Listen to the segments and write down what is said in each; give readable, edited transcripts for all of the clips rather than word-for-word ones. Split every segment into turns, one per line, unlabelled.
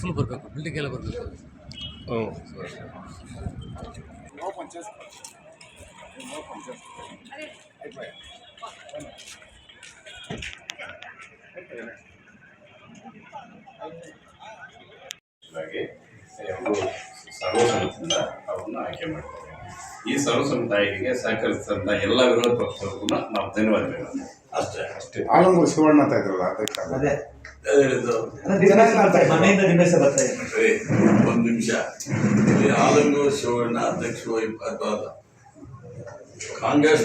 ಮಕ್ಕಳು ಬರಬೇಕು, ಬಿಲ್ಡಿಂಗ್ ಎಲ್ಲ ಬರಬೇಕು.
ಸರ್ವಸಮ್ಮತಿಯಿಂದ ಅವ್ರನ್ನ ಆಯ್ಕೆ ಮಾಡ್ತಾರೆ. ಈ ಸರ್ವಸಮ್ಮತ ಆಯ್ಕೆಗೆ ಸಹಕರಿಸಿದಂಥ ಎಲ್ಲ ವಿರೋಧ ಪಕ್ಷಗಳಿಗೂ ನಾವು ಧನ್ಯವಾದಗಳು. ಅಷ್ಟೇ.
ಆಲಂಗೂರು ಶಿವಣ್ಣ ಅಂತ ಇದ್ರಲ್ಲ,
ಒಂದು ನಿಮಿಷ. ಆಲಂಗೂರು ಶಿವಣ್ಣ ಅಧ್ಯಕ್ಷ ಕಾಂಗ್ರೆಸ್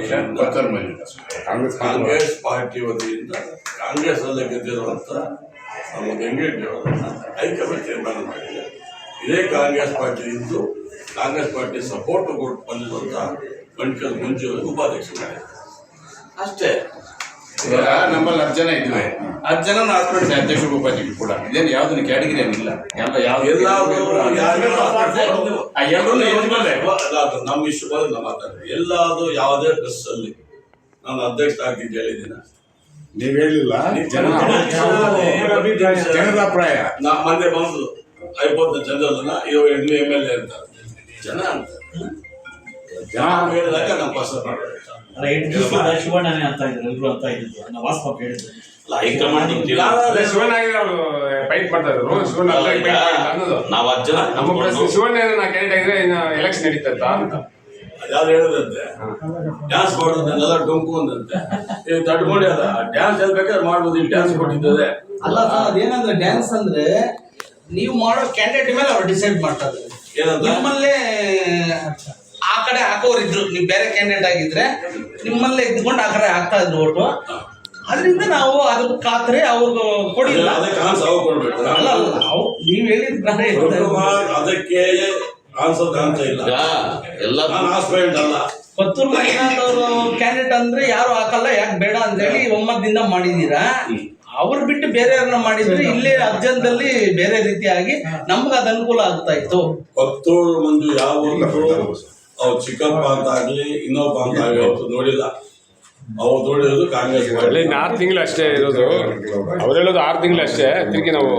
ಪಾರ್ಟಿ ವತಿಯಿಂದ ಕಾಂಗ್ರೆಸ್ ಅಲ್ಲೇ ಗೆದ್ದಿರುವಂಥ ನಮ್ಮ ಗಂಗೆಡ್ಡಿಯವರನ್ನ ಹೈಕಮಾಂಡ್ ತೀರ್ಮಾನ ಮಾಡಿದೆ. ಇದೇ ಕಾಂಗ್ರೆಸ್ ಪಾರ್ಟಿ ಇದ್ದು ಕಾಂಗ್ರೆಸ್ ಪಾರ್ಟಿ ಸಪೋರ್ಟ್ ಕೊಟ್ಟು ಬಂದಿರುವಂಥ ಗಂಟಲ್ ಮಂಜು ಉಪಾಧ್ಯಕ್ಷ ಮಾಡಿದೆ. ಅಷ್ಟೇ.
ನಮ್ಮಲ್ಲಿ 10 ಜನ ಇದ್ವಿ, 10 ಜನ ಹಾಸ್ಪಿಟಲ್ ಅಧ್ಯಕ್ಷರು ಉಪಾಧ್ಯಕ್ಷರು ಕೂಡ. ಇದೇನು ಯಾವುದನ್ನು ಕ್ಯಾಟಗಿರಿ ಏನಿಲ್ಲ,
ನಮ್ಮ ಇಷ್ಟು ಬಂದು ನಾವು ಮಾತಾಡ್ತೀವಿ. ಎಲ್ಲಾದರೂ ಯಾವುದೇ ಪ್ರೆಸ್ ಅಲ್ಲಿ ನಾನು ಅಧ್ಯಕ್ಷ ಆಗಿದ್ದು ಹೇಳಿದ್ದೀನ?
ನೀವು ಹೇಳಿಲ್ಲ, ಜನರ ಅಭಿಪ್ರಾಯ.
ನಾ ಮೊನ್ನೆ ಬಂದು 50 ಜನರನ್ನ ಇವರು MLA ಅಂತ ಜನ ಅಂತ ಹೇಳಿದಾಗ ನಾವು ಪಸಂದ್ ಮಾಡಬೇಕು.
ಶಿವಣ್ಣನೇ ಅಂತ ಇದ್ರು, ಎಲ್ರು ಅಂತ ಇದ್ರು. ನಾವು ವಾಸ್ತವ ಹೇಳಿದ್ರು
ಹೈಕಮಾಂಡ್
ಶಿವಣ್ಣ ಫೈಟ್ ಮಾಡ್ತಾ ಇದ್ರು.
ನಾವು 10 ಜನ
ಶಿವಣ್ಣ ಕ್ಯಾಂಡಿಡೇಟ್ ಆಗಿದ್ರೆ ಎಲೆಕ್ಷನ್ ನಡೀತಂತ ಅಂತ
ಯಾರು ಹೇಳಿದಂತೆ. ಡ್ಯಾನ್ಸ್ ಮಾಡೋದನ್ನೆಲ್ಲ ಡೊಂಕು ಅಂದಂತೆ. ತಡ್ಕೊಂಡು ಅದ ಡ್ಯಾನ್ಸ್ ಹೇಳ್ಬೇಕಾದ್ರೆ ಮಾಡ್ಬೋದು, ಇಲ್ಲಿ ಡ್ಯಾನ್ಸ್ ಕೊಟ್ಟಿದ್ದದೆ
ಅಲ್ಲ. ಅದೇನಂದ್ರೆ ಡ್ಯಾನ್ಸ್ ಅಂದ್ರೆ ನೀವು ಮಾಡೋ ಕ್ಯಾಂಡಿಡೇಟ್ ಮೇಲೆ ಅವ್ರು ಡಿಸೈಡ್ ಮಾಡ್ತಾರೆ. ನಿಮ್ಮಲ್ಲೇ ಆ ಕಡೆ ಹಾಕೋರು ಇದ್ರು, ನೀವು ಬೇರೆ ಕ್ಯಾಂಡಿಡೇಟ್ ಆಗಿದ್ರೆ ನಿಮ್ಮಲ್ಲೇ ಇದ್ಕೊಂಡು ಆ ಕಡೆ ಹಾಕ್ತಾ ಇದ್ರು ಓಟು. ಅದರಿಂದ ನಾವು ಅದ್ರ ಖಾತ್ರಿ ಅವ್ರಿಗೆ ಕೊಡಿಲ್ಲ. ಅಲ್ಲ ನೀವು ಹೇಳಿದ
ಅದಕ್ಕೆ ಕಾಣಿಸೋದು ಇಲ್ಲ. ಎಲ್ಲ ಆಸ್ಪೆಂಟ್ ಅಲ್ಲ.
ಪತ್ತೂರು ಮಂಜುನಾಥ್ ಅವರು ಕ್ಯಾಂಡಿಡೇಟ್ ಅಂದ್ರೆ ಯಾರು ಹಾಕಲ್ಲ, ಯಾಕೆ ಬೇಡ ಅಂತೇಳಿ ಒಮ್ಮತದಿಂದ ಮಾಡಿದೀರಾ. ಅವ್ರು ಬಿಟ್ಟು ಬೇರೆಯವ್ರನ್ನ ಮಾಡಿದ್ರೆ ಇಲ್ಲೇ ಅರ್ಜೆಂಟಲ್ಲಿ ಬೇರೆ ರೀತಿಯಾಗಿ ನಮ್ಗೆ ಅದು ಅನುಕೂಲ ಆಗ್ತಾ ಇತ್ತು.
ಪತ್ತೂರು ಮಂಜು ಯಾವ ಅವ್ರು ಚಿಕ್ಕಪ್ಪ ಅಂತ ಆಗ್ಲಿ ಇನ್ನೊಬ್ಬ ಅಂತ ಆಗ್ಲಿ ಅವತ್ತು ನೋಡಿಲ್ಲ. ಅವ್ರು ನೋಡಿರೋದು ಕಾಂಗ್ರೆಸ್
6 ತಿಂಗಳು ಅಷ್ಟೇ ಇರೋದು. ಅವ್ರು ಹೇಳೋದು 6 ತಿಂಗಳು ಅಷ್ಟೇ. ತಿರುಗಿ ನಾವು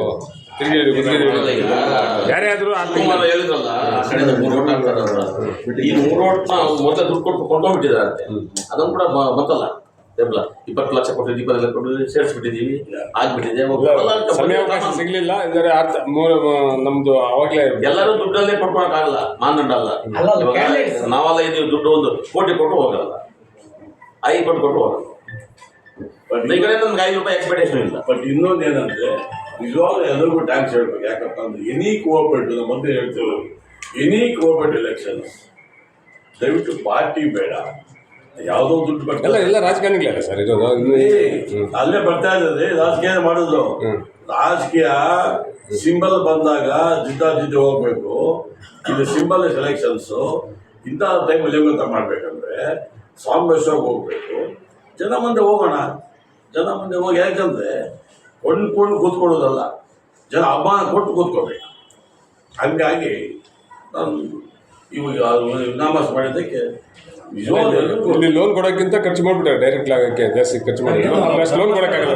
ಯಾರೇ ಆದ್ರೂ 6 ತಿಂಗಳು
ಹೇಳಿದ್ರಲ್ಲ. ಕಡೆಯಿಂದ 3 ಓಟ್ ಹಾಕ್ತಾರ. ಈ 3 ಓಟ್ನ ಮೊದಲ ದುಡ್ಡು ಕೊಟ್ಟು ಕೊಂಡೋಗ್ಬಿಟ್ಟಿದ್ದಾರೆ. ಅದನ್ನು ಕೂಡ ಗೊತ್ತಲ್ಲ. 20 ಲಕ್ಷ ಕೊಟ್ಟಿದ್ದೀವಿ, 20 ಲಕ್ಷ ಕೊಟ್ಟಿದ್ದೀವಿ, ಸೇರಿಸ್ಬಿಟ್ಟಿದ್ದೀವಿ, ಆಗ್ಬಿಟ್ಟಿದೆ.
ಸಮಯಾವಕಾಶ ಸಿಗ್ಲಿಲ್ಲ. ನಮ್ದು ಅವಾಗಲೇ
ಎಲ್ಲರೂ ದುಡ್ಡಲ್ಲೇ ಕೊಟ್ಕೊಳಕ್ಕಾಗಲ್ಲ, ಮಾನದಂಡ ಅಲ್ಲ. ನಾವೆಲ್ಲ ಇದೀವಿ, ದುಡ್ಡು 1 ಕೋಟಿ ಕೊಟ್ಟು ಹೋಗಲ್ಲ, 5 ಕೋಟಿ ಕೊಟ್ಟು ಹೋಗಲ್ಲ. ಈ ಕಡೆ ನಮ್ಗೆ 5 ರೂಪಾಯಿ ಎಕ್ಸ್ಪೆಕ್ಟೇಷನ್ ಇಲ್ಲ. ಬಟ್ ಇನ್ನೊಂದು ಏನಂದ್ರೆ ನಿಜವಾಗ್ಲೂ ಎಲ್ಲರಿಗೂ ಟ್ಯಾಕ್ಸ್ ಹೇಳ್ಬೇಕು. ಯಾಕಪ್ಪ ಅಂದ್ರೆ ಎನಿ ಕೋಆಪರೇಟಿವ್, ನಮ್ಮ ಮೊದಲು ಹೇಳ್ತೀವಿ, ಎನಿ ಕೋಆಪರೇಟಿವ್ ಎಲೆಕ್ಷನ್ ದಯವಿಟ್ಟು ಪಾರ್ಟಿ ಬೇಡ, ಯಾವುದೋ ದುಡ್ಡು
ಬರ್ತಾ ಎಲ್ಲ ರಾಜಕಾರಣಿಗಳಲ್ಲ ಸರ್ ಇರೋದು.
ಅಲ್ಲೇ ಬರ್ತಾ ಇದ್ದಾರೆ. ರಾಜಕೀಯ ಮಾಡಿದ್ರು. ರಾಜಕೀಯ ಸಿಂಬಲ್ ಬಂದಾಗ ಜಿದ್ದಾಜಿದ್ದಿ ಹೋಗ್ಬೇಕು. ಇದು ಸಿಂಬಲ್ ಸೆಲೆಕ್ಷನ್ಸು. ಇಂಥ ಟೈಮಲ್ಲಿ ಹೆಂಗಂತ ಮಾಡ್ಬೇಕಂದ್ರೆ ಸಾಂಬೇಶ್ವರ್ಗೆ ಹೋಗ್ಬೇಕು. ಜನ ಮುಂದೆ ಹೋಗೋಣ, ಜನ ಮುಂದೆ ಹೋಗಿ. ಯಾಕಂದ್ರೆ ಕೊಂಡ್ಕೊಂಡು ಕೂತ್ಕೊಳ್ಳೋದಲ್ಲ, ಜನ ಅಭಿಮಾನ ಕೊಟ್ಟು ಕೂತ್ಕೋಬೇಕು. ಹಂಗಾಗಿ ನಾನು ಇವಾಗ ನಾಮಸ್ ಮಾಡಿದ್ದಕ್ಕೆ
ಇಲ್ಲಿ ಲೋನ್ ಕೊಡೋಕ್ಕಿಂತ ಖರ್ಚು ಮಾಡ್ಬಿಟ್ಟಾರೆ. ಡೈರೆಕ್ಟ್ ಆಗಕ್ಕೆ ಜಾಸ್ತಿ ಖರ್ಚು ಮಾಡಿದ್ರು. ಅಷ್ಟು ಲೋನ್ ಕೊಡೋಕ್ಕಾಗಲ್ಲ.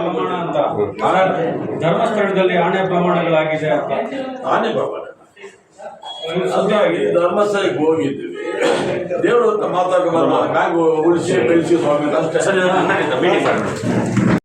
ಧರ್ಮಸ್ಥಳದಲ್ಲಿ ಆಣೆ ಪ್ರಮಾಣಗಳಾಗಿದೆ ಅಂತ.
ಆನೆ ಪ್ರಮಾಣ ಧರ್ಮಸ್ಥಳಕ್ಕೆ ಹೋಗಿದ್ದೀವಿ. ದೇವರು ಅಂತ ಮಾತಾಡ್ಕೊಂಡು ಬ್ಯಾಂಕ್ ಉಳಿಸಿ ಬೆಳೆಸಿ ಸ್ವಾಮಿ ಅಷ್ಟೇ.